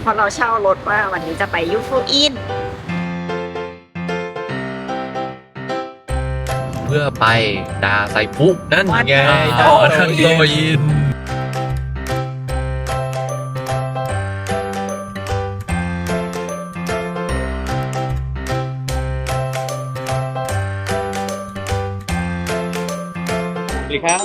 เพราะเราเช่ารถว่าวันนี้จะไปยูฟูอินเพื่อไปดาไซฟุนั่นไงดาไซโซยินสวัสดีครับ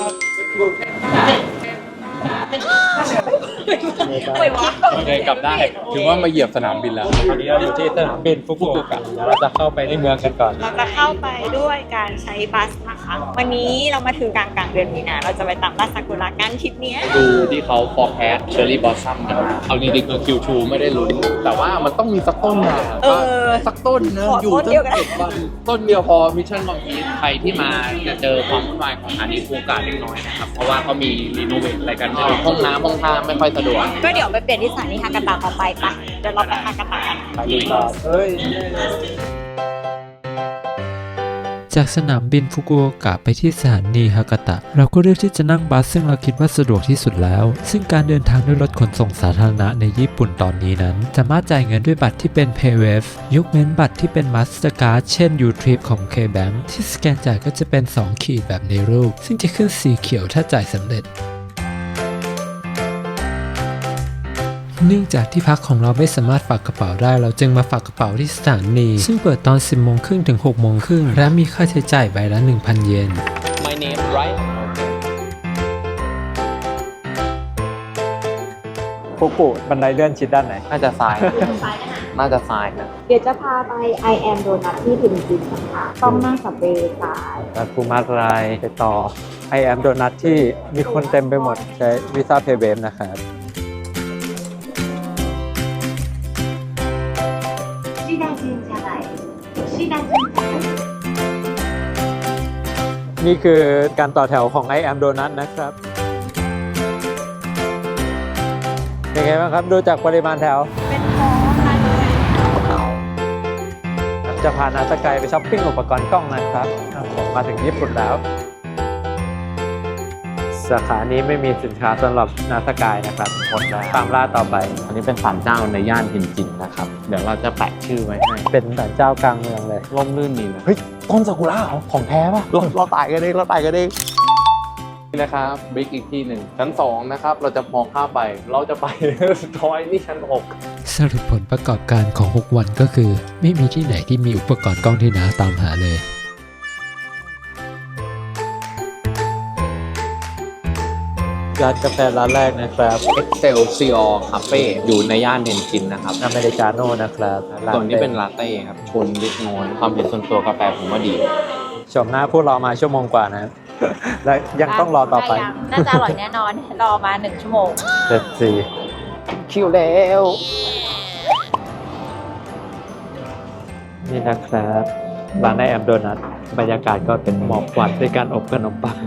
โอเคกลับได้ถือว่ามาเหยียบสนามบินแล้วตอนนี้เราอยู่ที่สนามบินฟุกุโอกะเดี๋ยวเราจะเข้าไปในเมืองกันก่อนเราจะเข้าไปด้วยการใช้บัสนะคะวันนี้เรามาถึงกลางเดือนมีนาเราจะไปตามบ้านซากุระกันทริปเนี้ยดูที่เขา forecast cherry blossom กันเอาจริงๆคือ Q2 ไม่ได้ลุ้นแต่ว่ามันต้องมีสักต้นนะสักต้นนะอยู่ตั้ง7 วันต้นเดียวพอมิชชั่นบางทีใครที่มาจะเจอความวุ่นวายของสถานีฟูกะเล็กน้อยนะครับเพราะว่าเขามีรีโนเวทอะไรกันห้องน้ำห้องท่าไม่ค่อยสะดวกก็เดี๋ยวไปเปลี่ยนที่สถานีฮากาตะต่อไปปะเดี๋ยวเราไปฮากาตะกันไปดูต่อเฮ้ยจากสนามบินฟุกุโอกะไปที่สถานีฮากาตะเราก็เลือกที่จะนั่งบัสซึ่งเราคิดว่าสะดวกที่สุดแล้วซึ่งการเดินทางด้วยรถขนส่งสาธารณะในญี่ปุ่นตอนนี้นั้นสามารถจ่ายเงินด้วยบัตรที่เป็น PayWave ยกเว้นบัตรที่เป็น Mastercard เช่น U-Trip ของ K-Bank ที่สแกนจ่ายก็จะเป็น2ขีดแบบในรูปซึ่งจะขึ้นสีเขียวถ้าจ่ายสำเร็จเนื่องจากที่พักของเราไม่สามารถฝากกระเป๋าได้เราจึงมาฝากกระเป๋าที่สถานีซึ่งเปิดตอน 10 โมงครึ่งถึง 6 โมงครึ่งและมีค่าใช้จ่ายใบละ 1,000 เยน My name right ฟุกุบันไดเลื่อนชิดด้านไหนน่าจะทรายน่าจะทรายนะเดี๋ยวจะพาไป I am Donut ที่ถึงจริงนะคะต้องนั่งสับเวย์สายแล้วภูมิรายไปต่อ I am Donut ที่มีคนเต็มไปหมดใช้วีซ่าเพย์เวฟนะครับนี่คือการต่อแถวของ I am Donut นะครับเป็นไงบ้างครับดูจากปริมาณแถวเป็นท้องมาเลยจะพานาสกายไปช้อปปิ้งอุปกรณ์กล้องนะครับผมมาถึงญี่ปุ่นแล้ว สาขานี้ไม่มีสินค้าสำหรับนาสกายนะครับหมดแล้วตามล่าต่อไปอันนี้เป็นศาลเจ้าในย่านเทนจินนะครับเดี๋ยวเราจะแปะชื่อไว้ให้เป็นศาลเจ้ากลางเมืองเลยร่มรื่นดีนะเฮ้ยต้นซากุระเหรอของแท้ป่ะเราตายกันเองนี่นะครับบิ๊กอีกที่หนึ่งชั้น2นะครับเราจะมองข้ามไปเราจะไป ทอยนี่ชั้น6 สรุปผลประกอบการของ 6 วันก็คือ ไม่มีที่ไหนที่มีอุปกรณ์กล้องที่น้าตามหาเลยร้านกาแฟร้านแรกนะครับ Excelsior Cafe อยู่ในย่านเทนจินนะครับอเมริกาโน่นะครับส่วนนี้เป็นลาเต้ครับชนเล็กน้อยความเห็นส่วนตัวกาแฟผมว่าดีชมหน้าพวกเรามาชั่วโมงกว่านะครับ และยังต้องรอต่อไปน่าจะอร่อยแน่นอน รอมา1 ชั่วโมงเจ็ดสี่คิวแล้วนี่นะครับร้านไอแอมโดนัทบรรยากาศก็เป็นหมอกควันด้วยการอบขนมปัง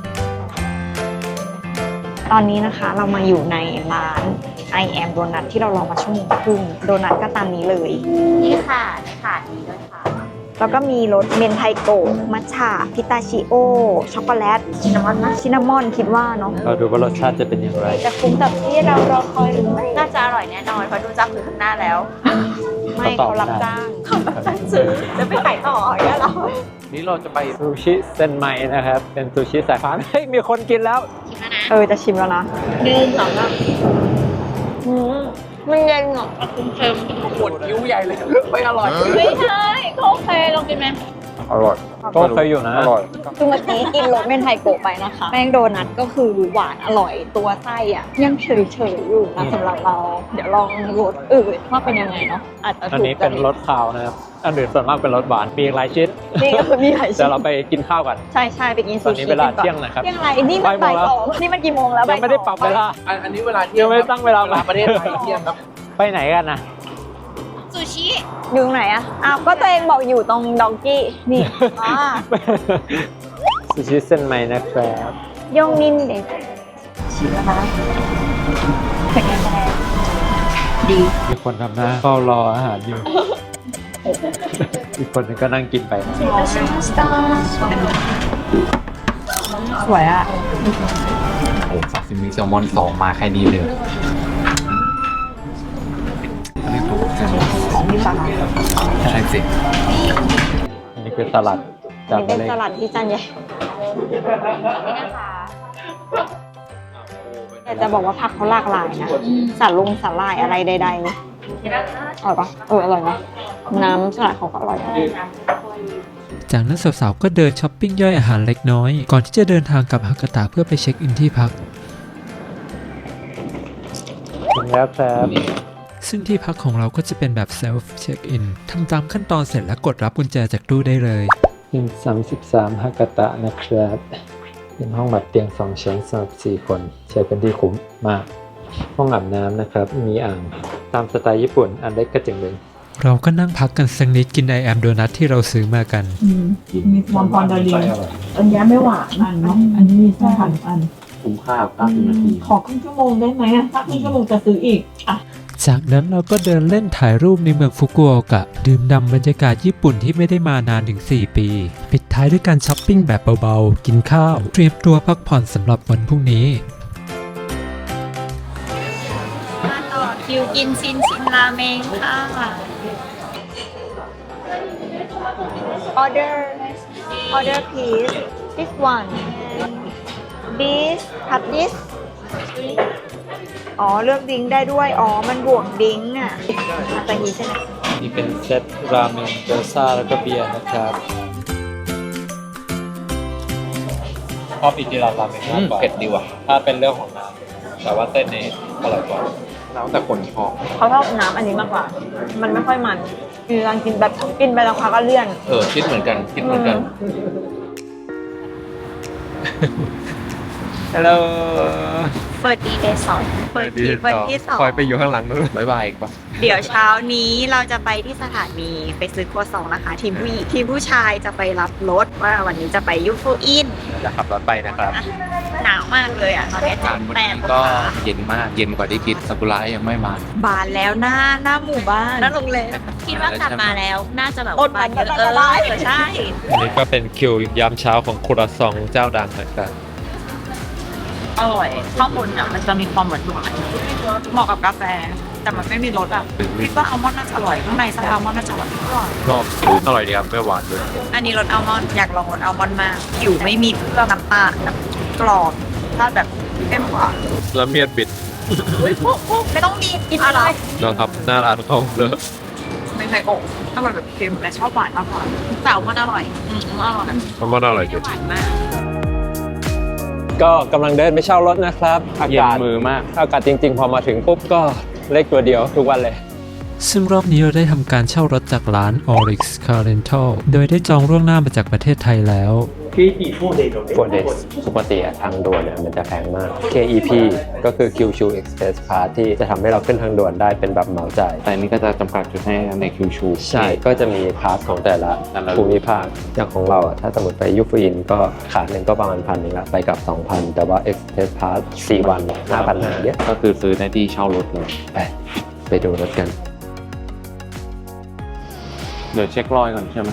ตอนนี้นะคะเรามาอยู่ในร้าน I am Donut ที่เรารอมาชั่วโมงครึ่งโดนัทก็ตามนี้เลย นี่ค่ะนี่ด้วยค่ะ แล้วก็มีรสเมนไทโกะมัทฉะพิตาชิโอ ช็อกโกแลต ชินนามอนคิดว่าเนาะเราดูว่ารสชาติจะเป็นอย่างไรจะคุ้มกับที่เรารอคอยหรือไม่น่าจะอร่อยแน่นอนเพราะดูจากคือข้างหน้าแล้ว ไม่เขารับจ้างซื้อจะไปขายต่ออย่างเงี้ยเหรอนี่เราจะไปซูชิเซนไมนะครับ เป็นซูชิสายฟ้าเฮ้ยมีคนกินแล้วจะชิมแล้วนะ1 2 3มันเย็นเหรอเค็มปวดคิ้วใหญ่เลย ไม่อร่อยไม่ใช่โอเคลองกินไหมอร่อยก็เคยอยู่นะอร่อยคือเมื่อกี้กินรสเมนไทโกะไปนะคะ แป้งโดนัทก็คือหวานอร่อยตัวไส้อ่ะยังเฉยๆอยู่นะสำหรับเรา เดี๋ยวลองรสอื่นว่าเป็นยังไงเนาะอาจจะอันถูกนี้เป็นรสคาวนะครับ อันอื่นส่วนมากเป็นรสหวาน มีอีกหลายชิ้นนี่ก็คือมีหลายเดี๋ชิ้ยวน เราไปกินข้าวกันใช่ไปกินตซูอนนี้ชิเวลากันก่อนเที่ยงนะครับเที่ยงอะไรนี่มันบ่ายบ่ายโมงแล้ว 2นี่มันกี่โมงแล้วยังไม่ได้ปรับเวลาอันนี้เวลาเที่ยยัง งไม่ตั้งเวลาประเทศไทยเที่ยงครับไปไหนกันนะซูชิอยู่ตรงไหนอะอ้าวก็ตัวเองบอกอยู่ตรงดองกี้นี่อ่าซูชิเซนไมนะครับยงนินเด็กชิมแล้วนะเป็นยังไงดีมีคนทำหน้าเฝ้ารออาหารอยู่ อีกคนนึงก็นั่งกินไปนะสวยอะโอ้ซาซิมิแซลมอน2มาแค่นี้เลยนี่ปะคะใช่สิอันนี้คือสลัดจานนี่เป็นเล็กสลัดที่จานใหญ่แต่จะบอกว่าผักเขาหลากหลายนะสาลายอะไรใดๆอร่อยปะอร่อยนะน้ำสลัดเขาก็อร่อยจากนั้นสาวๆก็เดินช้อปปิ้งย่อยอาหารเล็กน้อย ก่อนที่จะเดินทางกลับฮากาตะเพื่อไปเช็คอินที่พักถึงแล้วครับซึ่งที่พักของเราก็จะเป็นแบบเซลฟ์เช็คอินทำตามขั้นตอนเสร็จแล้วกดรับกุญแจจากตู้ได้เลยเป็น33ฮากาตะนะครับ เป็นห้องแบบเตียง2ชั้นสำหรับ4คนใช้เป็นที่คุ้มมาก ห้องอาบน้ำนะครับ มีอ่างตามสไตล์ญี่ปุ่นอันเล็กก็จึงเลยเราก็นั่งพักกันสักนิดกินไอแอมโดนัทที่เราซื้อมากันมีความพอนดาลีอันนี้ไม่หวานเนาะอันนี้มีไส้หั่นอันคุ้มค่า90 นาทีขอครึ่งชั่วโมงได้ไหมอะถ้าครึ่งชั่วโมงจะซื้ออีกอ่ะจากนั้นเราก็เดินเล่นถ่ายรูปในเมืองฟุกุโอกะ ดื่มด่ำบรรยากาศญี่ปุ่นที่ไม่ได้มานานถึง 4 ปี ปิดท้ายด้วยการช้อปปิ้งแบบเบาๆ กินข้าว เตรียมตัวพักผ่อนสำหรับวันพรุ่งนี้มาต่อคิวกินซินราเมงค่ะ order please this one this cut this อ๋อเลือกดิ้งได้ด้วยอ๋อมันบวกดิ้งอ่ะอาตาฮีใช่ไหมนี่เป็นเซตราเมงเกอร์ซ่าแล้วก็เบียร์นะครับชอบอิจิราราเมงมากกว่าเผ็ดดีว่ะถ้าเป็นเรื่องของน้ำแต่ว่าเส้นนี้อร่อยกว่าแล้วแต่คนชอบเขาชอบน้ำอันนี้มากกว่า มันไม่ค่อยมันคือการกินแบบกินไปแล้วค่ะก็เลี่ยนคิดเหมือนกันคิดเหมือนกันฮัลโหลเปิดดีเดย์สองเปิดทีวันที่สองคอยไปอยู่ข้างหลังนู้นบ๊ายบายอีกปะเดี๋ยวเช้านี้เราจะไปที่สถานีไปซื้อครัวซองนะคะ ทีมผู้หญิงทีมผู้ชายจะไปรับรถว่าวันนี้จะไปยูฟูอินจะขับรถไปนะครับหนาวมากเลยอ่ะตอนนี้การวัน 8 นี้ก็เย็นมากเย็นกว่าที่คิดซากุระยังไม่มาบานแล้วหน้าหมู่บ้านหน้าโรงแรมคิดว่ากลับมาแล้วน่าจะแบบอดบ้านมันเยก็อะจะได้ใช่อันนี้ก็เป็นคิวยามเช้าของครัวซองเจ้าดังนะครับอร่อยข้างบนอ่ะมันจะมีความหวานเหมาะกับกาแฟ แต่มันไม่มีรสอ่ะคิดว่าอัลมอนด์น่าจะอร่อยข้างในไส้อัลมอนด์น่าจะอร่อยชอบอร่อยดีครับไม่หวานด้วยอันนี้รสอัลมอนด์อยากลองรสอัลมอนด์มากอยู่ไม่มีเครื่องน้ำตาลแบบกรอบถ้าแบบเข้มกว่าแล้วเมียดบิดไม่ต้องมีกินอะไรนะครับหน้าร้านเขาเลยไม่ใช่โอ่งอร่อยแบบเค็มและชอบหวานมากกว่าแต่อัลมอนด์อร่อยอร่อยเขาก็อร่อยจริงหวานมากก็กำลังเดินไปเช่ารถนะครับอากาศเย็นมือมากอากาศจริงๆ พอมาถึงปุ๊บก็เลขตัวเดียวทุกวันเลยซึ่งรอบนี้เราได้ทำการเช่ารถจากร้าน Orix Car Rental โดยได้จองล่วงหน้ามาจากประเทศไทยแล้ว 4 days ปกติทางด่วนเนี่ยมันจะแพงมาก KEP ก็คือ Kyushu Express Pass ที่จะทำให้เราขึ้นทางด่วนได้เป็นแบบเหมาจ่ายแต่อันนี้ก็จะจำกัดจุดให้ในคิวชูใช่ ก็จะมีพาสของแต่ละภูมิภาค อย่างของเราอะถ้าสมมติไปยูฟูอินก็ขาหนึ่งก็ประมาณ1,000นึงละไปกับ 2,000 แต่ว่า Express Pass 4 วัน 5,000นะเยอะก็คือซื้อในที่เช่ารถเลยไปดูรถกันเดี๋ยวเช็ครอยก่อนใช่ไหม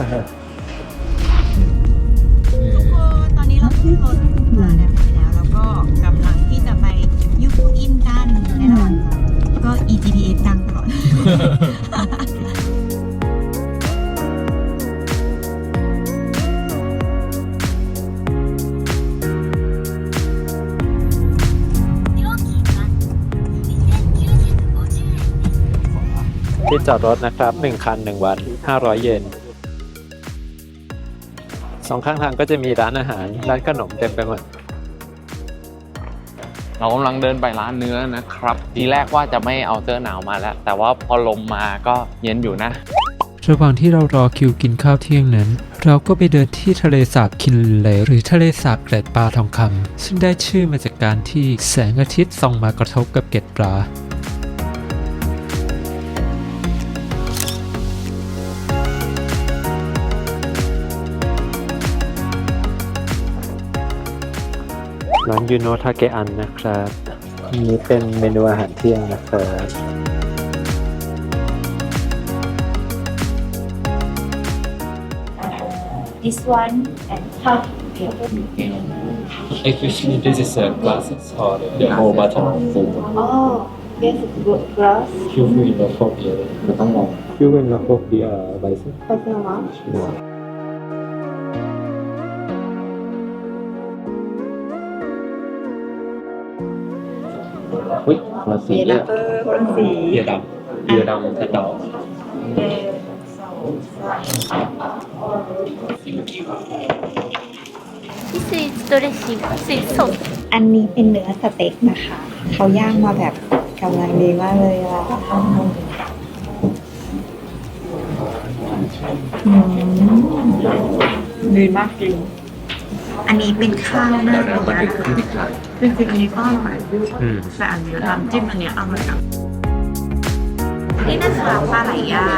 ตอนนี้เราขึ้นรถมาแล้วแล้วก็กำลังที่จะไปยูฟูอินกันในระหว่างทางก็ EGPS ดังตลอดที่จอดรถนะครับ 1 คัน 1 วัน 500 เยน 2 ข้างทางก็จะมีร้านอาหาร ร้านขนมเต็มไปหมดเรากำลังเดินไปร้านเนื้อนะครับ ทีแรกว่าจะไม่เอาเสื้อหนาวมาแล้ว แต่ว่าพอลมมาก็เย็นอยู่นะระหว่างที่เรารอคิวกินข้าวเที่ยงนั้น เราก็ไปเดินที่ทะเลสาบคินเลหรือทะเลสาบเกล็ดปลาทองคำซึ่งได้ชื่อมาจากการที่แสงอาทิตย์ส่องมากระทบกับเกล็ดปลาร้านยูโนทาเกอันนะครับอันนี้เป็นเมนูอาหารเที่ยงนะครับ this one and how Actually this is a classic or the whole button food oh Yes, good glass. คิววินแล้วโฟเบียมันต้องลองคิววินแล้วโฟเบียใบซึ่ง Thank you much. อุ้ยคนละสีเลยคนละสีเบียร์ดำแต่ดอกドレッシングスイーツソースอันนี้เป็นเนื้อสเต็กนะคะ เขาย่างมาแบบกำลังดีมากเลยอ่ะดีมากจริง อันนี้เป็นข้าวหน้าเดี๋ยวมันเป็นขึ้นอีกครั้งจริงๆอันนี้ก็อร่อยแต่อันนี้น้ำจิ้มอันเนี้ยอร่อยอ่ะนี่นะคะปลาไหลย่าง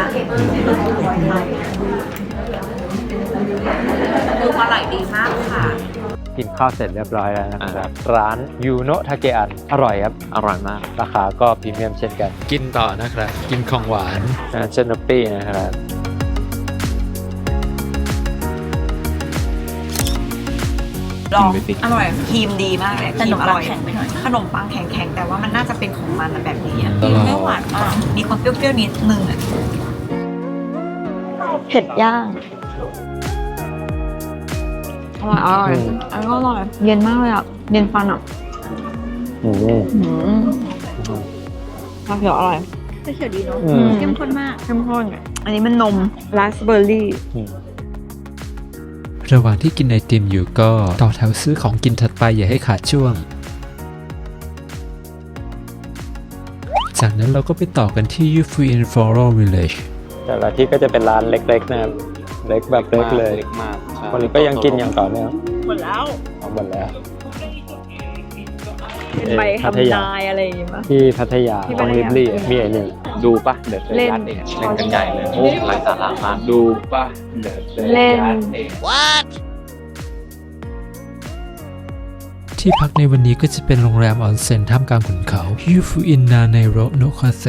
ดูอร่อยดีมากค่ะกินข้าวเสร็จเรียบร้อยแล้วนะครับ ร้านยูโนะทาเกอันอร่อยครับอร่อยมากราคาก็พรีเมียมเช่นกันกินต่อนะครับ กินของหวานเชนนปี้นะครับลองกินไปสิอร่อยครีมดีมากเลยขนมปังครีแข็งไปหน่อยขนมปังแข็งๆแต่ว่ามันน่าจะเป็นของมันอะแบบนี้อะตลอดไม่หวานมากมีความเปรี้ยวๆนิดนึงอะเผ็ดย่างอร่อยอันนี้ก็อร่อยเย็นมากเลยอ่ะ เย็นฟันอ่ะอืมชาเขียวอร่อยเขียวดีเนาะอืมเข้มข้นมากเข้มข้นอันนี้มันนมราสเบอร์รี่ระหว่างที่กินไอติมอยู่ก็ต่อแถวซื้อของกินถัดไปอย่าให้ขาดช่วง จากนั้นเราก็ไปต่อกันที่ Yufuin Floral Village แต่ละที่ก็จะเป็นร้านเล็กๆนะครับ เล็กแบบเล็กเลยเล็กมากใช่คนนี้ก็ยังกินอย่างต่อเนื่องหมดแล้วเอาหมดแล้วเป็นใบพัทยาทำนายอะไรอย่างงี้ป่ะที่พัทยาที่ของพัทลิยาบลี่มีไอ้นี่ดูป่ะเด็ดเล่นยัดเองเล่นกันใหญ่เลย โอ้ไร้สาระมากดูป่ะเด็ดเล่นยัดเองที่พักในวันนี้ก็จะเป็นโรงแรมออนเซ็นท่ามกลางขุนเขา Yufuin Nanero no Kase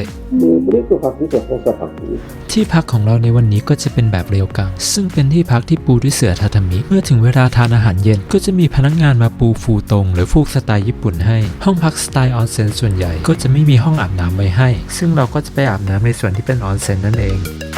ที่พักของเราในวันนี้ก็จะเป็นแบบเรียวกัง ซึ่งเป็นที่พักที่ปูด้วยเสื่อทาทามิ เมื่อถึงเวลาทานอาหารเย็นก็จะมีพนักงานมาปูฟูตงหรือฟูกสไตล์ญี่ปุ่นให้ ห้องพักสไตล์ออนเซ็นส่วนใหญ่ก็จะไม่มีห้องอาบน้ำไว้ให้ ซึ่งเราก็จะไปอาบน้ำในส่วนที่เป็นออนเซ็นนั่นเอง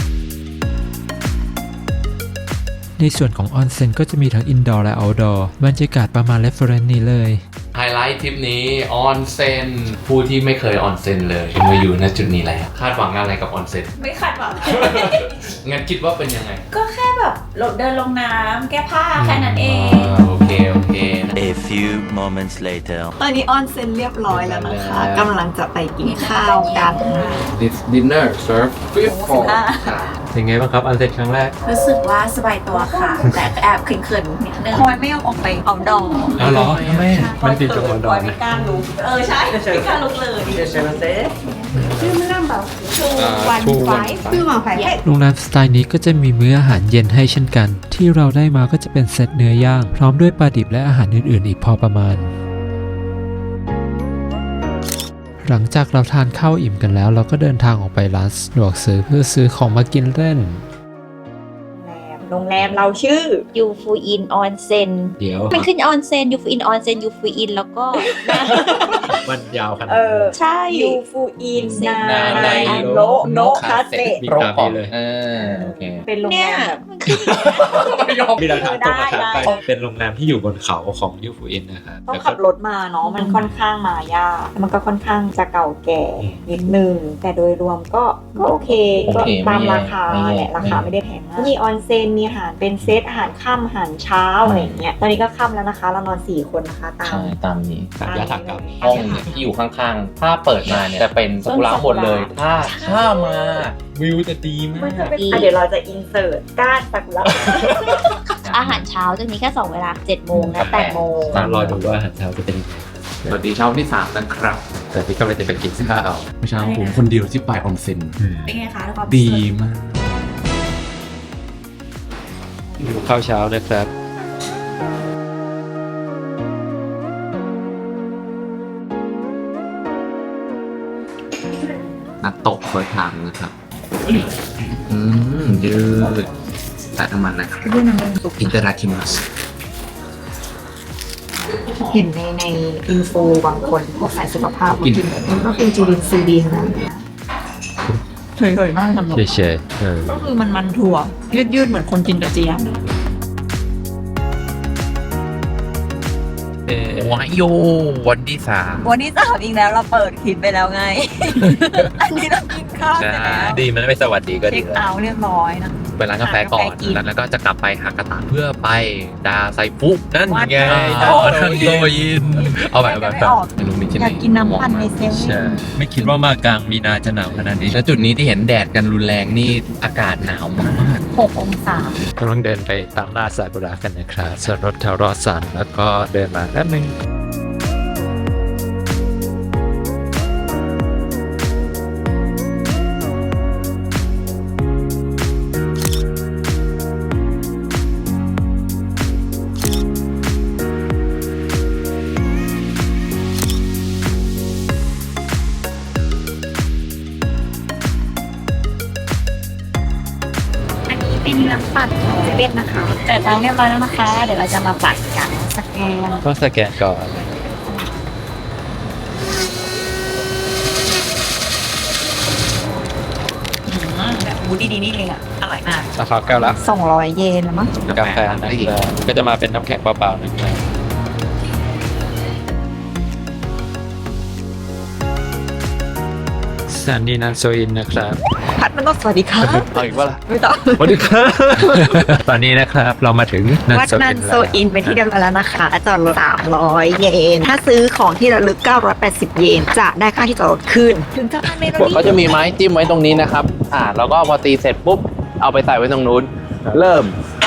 ในส่วนของออนเซ็นก็จะมีทั้งอินดอร์และเอาท์ดอร์บรรยากาศประมาณเรฟเฟรนซ์นี้เลยไฮไลท์ทริปนี้ออนเซ็นผู้ที่ไม่เคยออนเซ็นเลยมาอยู่ณจุดนี้แล้วคาดหวังอะไรกับออนเซ็นไม่คาดหวังงั้นคิดว่าเป็นยังไงก็แค่แบบเดินลงน้ำแก้ผ้าแค่นั้นเองโอเค A few moments later. ตอนนี้ออนเซ็นเรียบร้อยแล้วนะคะแล้วกำลังจะไปกินข้าวกัน This dinner serve fish for เป็นไงบ้างครับ อันเซ็นครั้งแรกรู้สึกว่าสบายตัวค่ะ แต่แอบเขินๆนิดนึงทำไมไม่ยอมออกไปเอาดองอ๋อเหรอแม่มันติดกับออนดปอล่อยนไม่นะกล้าลุกใช่ไม่กล้าลุกเลยวันไฟคือหมาไฟโรงแรมสไตล์นี้ก็จะมีมื้ออาหารเย็นให้เช่นกัน ที่เราได้มาก็จะเป็นเซตเนื้อย่าง พร้อมด้วยปลาดิบและอาหารอื่นๆอีกพอประมาณ หลังจากเราทานข้าวอิ่มกันแล้ว เราก็เดินทางออกไปร้านสะดวกซื้อเพื่อซื้อของมากินเล่นโรงแรมเราชื่อยูฟูอินออนเซ็นเดี๋ยวมันขึ้นออนเซ็นยูฟูอินออนเซ็นยูฟูอินแล้วก็มันยาวขนาดเอนั้นอ ใช่ยูฟูอินนานาไนไนโนโนคาเซมีตามนี้เลยโอเคเป็นโรงเนี่แรยมแบบมันขึ้นมีหลักฐานตรงมาถามไปได้เป็นโรงแรมที่อยู่บนเขาของยูฟูอินนะครับต้องขับรถมาเนาะมันค่อนข้างมายากแล้วมันก็ค่อนข้างจะเก่าแก่นิดนึง แต่โดยรวมก็โอเค ก็โอเคตามราคาไม่แย่แหละราคาไม่ได้แพงมากมีออนเซ็นมีอาหารเป็นเซตอาหารค่ำอาหารเช้าอะไรอย่างเงี้ยตอนนี้ก็ค่ำแล้วนะคะ เรานอน 4 คนนะคะตามใช่ตามนี้ตามยถากรรมห้องเนี่ยที่อยู่ข้างๆ ถ้าเปิดมาเนี่ยจะเป็นซากุระหมดเลย ถ้ามาวิวจะดีมากเดี๋ยวเราจะอินเสิร์ตก้านซากุระอาหารเช้าจะมีแค่ 2 เวลา 7 โมงและ 8 โมงรอดูว่าอาหารเช้าจะเป็นยังไงสวัสดีเช้าที่ 3 นะครับแต่ที่ก็เลยจะไปกินข้าวเมื่อเช้าผมคนเดียวที่ไปออนเซ็นเป็นไงคะความดีมากข้าวเช้านะครับนักตกเฟิร์สไทม์นะครับยืดแต่น้ำมันนะครับอินเตอร์ราคิมัสเห็นในอินโฟบางคนพวกสายสุขภาพกินมันก็คือจูรินซีดีนะเฉยๆมากสำหรับเฉยๆก็คือมันถั่วยืดๆเหมือนคนกินกระเจี๊ยบวายโยวันที่3 วันที่3อีกแล้วเราเปิดคลิปไปแล้วไง อันนี้เรากินข้าวไปแล้วดีมันไม่สวัสดีก็เช็ดีคเอาท์เรียบร้อยนะไปร้านกาแฟก่อน แล้วก็จะกลับไปฮากาตะเพื่อไปดาไซฟุนั่นไงดาทันโตยินเอาแบบไม่รู้มีที่ไหนอยากกินน้ำปั่นในเซเว่นไม่คิดว่ามากลางมีนาจะหนาวขนาดนี้แล้วจุดนี้ที่เห็นแดดกันรุนแรงนี่อากาศหนาวมาก 6 องศากำลังเดินไปตามล่าซากุระกันนะครับส่วนรถแถวรอสันแล้วก็เดินมาแป๊บนึงอันนี้เป็นน้ำปั่นของเซเว่นนะคะ แต่ตังค์เรียบร้อยแล้วนะคะ เดี๋ยวเราจะมาปั่นกันสแกนต้องสแกนก่อนแบบมูดีๆนี่เองอะอร่อยมากราคาแก้วละ 200 เยนแล้วมั้งกาแฟนะครับก็จะมาเป็นน้ำแข็งเปล่าๆนะครับสถานีนันโซอินนะครับพัดมันต้องสวัสดีค่ะเอาอีกว่าล่ะไม่ต้องสวัสดีครับ ตอนนี้นะครับเรามาถึงนันวัดโซนัอินนโซอินเป็นที่เรียบร้อยแล้วนะคะจอดรถ300 เยน ถ้าซื้อของที่ระลึก 980 เยน จะได้ค่าที่จอดรถคืน ถึงจะทานเมนูนี้เขาจะมีไม้จิ้มไว้ตรงนี้นะครับ แล้วก็พอตีเสร็จปุ๊บ เอาไปใส่ไว้ตรงนู้น เริ่ม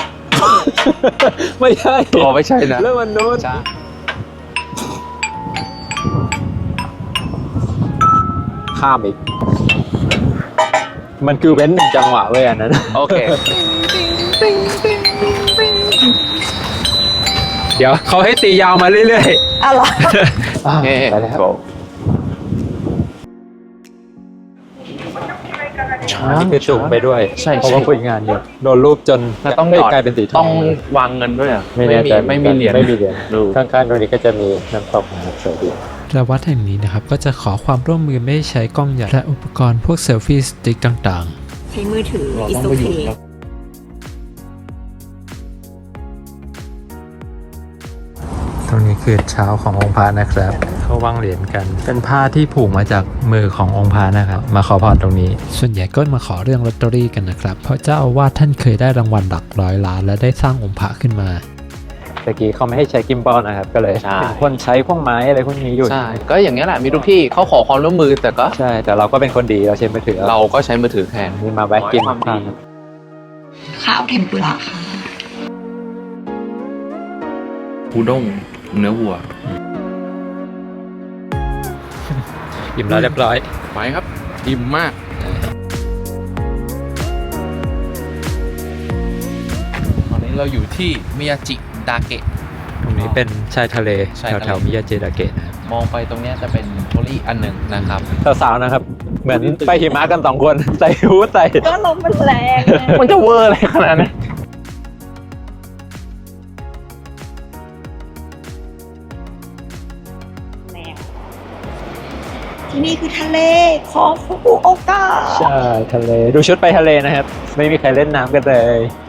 ไม่ใช่อ๋อไม่ใช่นะเรื่องมันนู้นใช่ข้ามอีก มันคือเว้นหนึ่งจังหวะเว้ยอันนั้นโอเคเดี๋ยวเขาให้ตียาวมาเรื่อยอ้าวเหรอโอเคไปแล้ว อันนี้คือจุ่มไปด้วยใช่เพราะว่าคุยงานเยอะโดนรูปจนแล้วต้องเอ้ยหยอดกลายเป็นสีทต้ออง งวางเงินด้วยอ่ะไม่แน่ใจไม่มีเหรียญไม่มีเหรียญดูข้างๆตรงนี้ก็จะมีน้ำตกนะครับสวยดีๆและวัดแห่งนี้นะครับก็จะขอความร่วมมือไม่ให้ใช้กล้องใหญ่และอุปกรณ์พวกเซลฟี่สติ๊กต่างๆใช้มือถือเราอิต้องสุไปเคอยู่ครับตรงนี้คือเช้าขององค์พระนะครับเขาวางเหรียญกัน เป็นผ้าที่ผูกมาจากมือขององค์พระนะครับ มาขอพรตรงนี้ ส่วนใหญ่ก็มาขอเรื่องลอตเตอรี่กันนะครับ เพราะเจ้าอาวาสท่านเคยได้รางวัลหลักร้อยล้านและได้สร้างองค์พระขึ้นมาตะกี้เขาไม่ให้ใช้กิมบอลนะครับ ก็เลยใช่เป็นคนใช้พวกไม้อะไรพวกนี้อยู่ใช่ ก็อย่างนี้ยแหละ มีทุกที่เขาขอความร่วมมือ แต่ก็ใช่ แต่เราก็เป็นคนดีเราใช้มือถือเราก็ใช้มือถือแทนนี่มาแวะกินความดีข้าวเทมปุระค่ะอูด้งเนื้อวัวอิ่มแล้วเรียบร้อยไปครับอิ่มมาก ตอนนี้เราอยู่ที่มิยาจิดาเกะตรงนี้เป็นชายทะเลชายทะเลแถวๆมิยาเจดาเกะนะครับมองไปตรงเนี้ยจะเป็นโทรี่อันหนึ่งนะครับสาวๆนะครับ เหมือนไปหิมะกัน2 คนใส่ฮู้ดใส่ก็ลมมันแรงมันจะเวอร์อะไรขนาดนั้นที่นี่คือทะเลของฟุกุโอกะใช่ทะเลดูชุดไปทะเลนะครับ ไม่มีใครเล่นน้ำกันเลย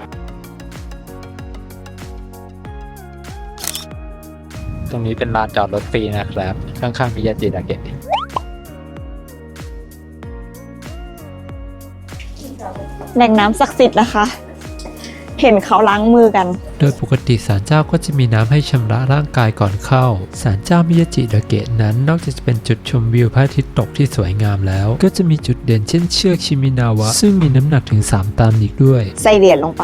ตรงนี้เป็นลานจอดรถฟรีนะครับ ข้างๆมิยาเจดาเกะแหล่งน้ำศักดิ์สิทธิ์นะคะ เห็นเขาล้างมือกันโดยปกติศาลเจ้าก็จะมีน้ำให้ชำระร่างกายก่อนเข้า ศาลเจ้ามิยาจิดาเกะนั้นนอกจากจะเป็นจุดชมวิวพระอาทิตย์ตกที่สวยงามแล้ว ก็จะมีจุดเด่นเช่นเชือกชิมินาวะ ซึ่งมีน้ำหนักถึง 3 ตันอีกด้วยใส่เหรียญลงไป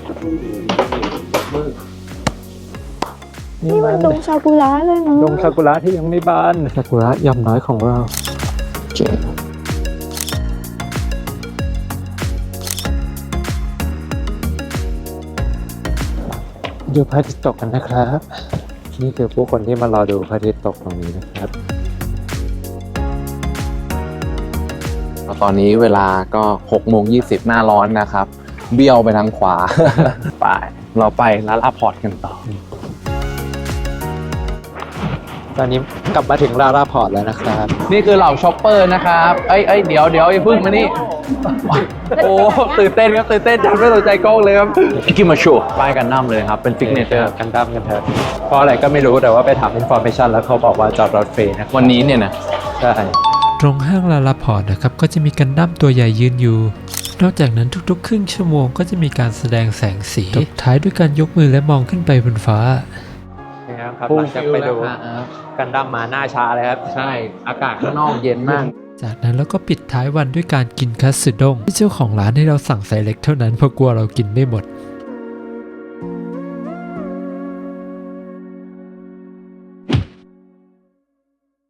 นี่มันดงซากุระเลยเนาะดงซากุระที่ยังไม่บานซากุระย่อมน้อยของเรา ดูพระอาทิตย์ตกกันนะครับ นี่คือผู้คนที่มารอดูพระอาทิตย์ตกตรงนี้นะครับตอนนี้เวลาก็6:20 หน้าร้อนนะครับ เบี้ยวไปทางขวา ไป เราไปร้านอาพอร์ตกันต่อตอนนี้กลับมาถึงลาราพอร์ตแล้วนะครับนี่คือเหล่าช็อปเปอร์นะครับเอ้ยเดี๋ยวอย่าพึ่งมานี่ โอ้ตื่นเต้นครับตื่นเต้นจัดไม่สนใจกล้องเลยครับอิกิมาโชป้ายกันน้ำเลยครับเป็นฟิกเนเจอร์กันดั้มกันเถอะเพราะอะไรก็ไม่รู้แต่ว่าไปถามอินฟอร์เมชันแล้วเขาบอกว่าจอดรถฟรีนะวันนี้เนี่ยนะใช่ตรงห้างลาลาพอร์ตนะครับก็จะมีกันดั้มตัวใหญ่ยืนอยู่ นอกจากนั้นทุกๆครึ่งชั่วโมงก็จะมีการแสดงแสงสีตบท้ายด้วยการยกมือและมองขึ้นไปบนฟ้านะครับหลังจากไปดูกันดั้มมาหน้าชาเลยครับใช่อากาศข้างนอกเย็นมากจากนั้นเราก็ปิดท้ายวันด้วยการกินคัตสึด้งที่เจ้าของร้านให้เราสั่งไซส์เล็กเท่านั้นเพราะกลัวเรากินไม่หมด